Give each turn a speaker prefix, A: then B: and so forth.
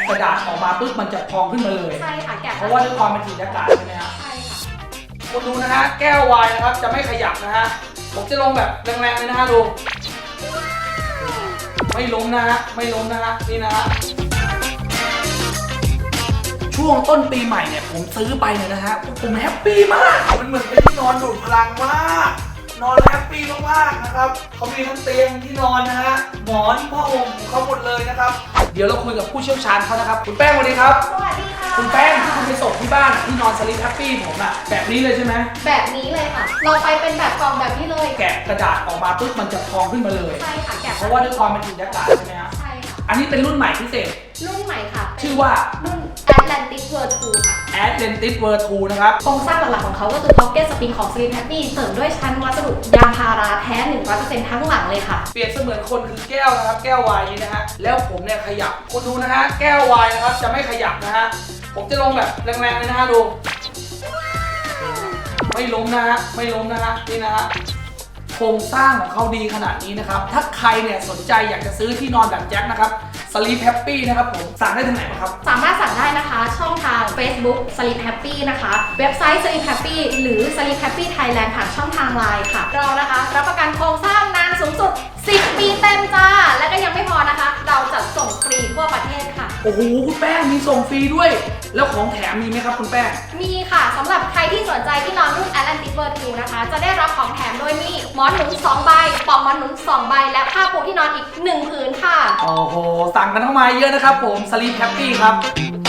A: กระดาษออกมาปุ๊บมันจะพองขึ้นมาเลย
B: ใช่ค่ะแกะ
A: เพราะว่าด้วยความเป็นสีอากาศใช่ไหมครับ
B: ใช่ค่ะ
A: คุณดูนะฮะแก้ววายนะครับจะไม่ขยับนะฮะผมจะลงแบบแรงๆเลยนะฮะดูไม่ล้มนะฮะไม่ล้มนะฮะนี่นะฮะช่วงต้นปีใหม่เนี่ยผมซื้อไปเนี่ยนะฮะผมแฮปปี้มากมันเหมือนเป็นที่นอนดูดพลังมากนอนแฮปปี้มากๆนะครับเขามีทั้งเตียงที่นอนนะฮะหมอนผ้าห่มของเขาหมดเลยนะครับเดี๋ยวเราคุยกับผู้เชี่ยวชาญเขานะครับคุณแป้งสวัสดีครับ
B: สวัสดีค่ะ
A: คุณแป้งที่คุณไปส่งที่บ้านที่นอนสลิปแฮปปี้ผมอะแบบนี้เลยใช่ไหม
B: แบบนี้เลยค่ะเราไปเป็นแบบกล่องแบบนี้เลย
A: แกะกระดาษออกมาปุ๊บมันจะพองขึ้นมาเลย
B: ใช่ค่ะแกะ
A: เพราะว่าด้วยความเป็นสีอากาศใช่ไหมครับ
B: ใช่ค่ะ
A: อันนี้เป็นรุ่นใหม่พิเศษ
B: รุ่นใหม่ค่ะ
A: ชื่อว่า
B: รุ่น Atlantic World 2 ค่ะ
A: Atlantic World 2 นะครับ
B: โครงสร้างหลักๆของเขาก็คือ Pocket Spring ของ Sleep Happy เสริมด้วยชั้นวัสดุยางพาราแท้ 100% ทั้งหลังเลยค่ะ
A: เปรียบเสมือนคนคือแก้วนะครับแก้ววายนี้นะฮะแล้วผมเนี่ยขยับคุณดูนะฮะแก้ววายนะครับจะไม่ขยับนะฮะผมจะลงแบบแรงๆเลยนะฮะดูไม่ล้มนะฮะไม่ล้มนะฮะนี่นะฮะโครงสร้างของเขาดีขนาดนี้นะครับถ้าใครเนี่ยสนใจอยากจะซื้อที่นอนแบบแจ็คนะครับ Sleep Happy นะครับผมสั่งได้ทางไหนบ้างครับ
B: สามารถสั่งได้นะคะช่องทาง Facebook Sleep Happy นะคะเว็บไซต์ Sleep Happy หรือ Sleep Happy Thailand ผ่านช่องทาง LINE ค่ะเรานะคะรับประกันโครงสร้างนานสูงสุด10 ปีเต็มจ้าและก็ยังไม่พอนะคะเราจัดส่งฟรีทั่วประเทศค่ะ
A: โอ้โหคุณแป้งมีส่งฟรีด้วยแล้วของแถมมีไหมครับคุณแป้ง
B: มีค่ะสำหรับใครที่สนใจที่นอนรุ่น Atlantic World 2 นะคะจะได้รับของแถมโดยมีหมอนหนุน2 ใบปลอกหมอนหนุน2 ใบและผ้าปูที่นอนอีก1 ผืนค่ะ
A: โอ้โหสั่งกันเข้ามาเยอะนะครับผม Sleep Happy ครับ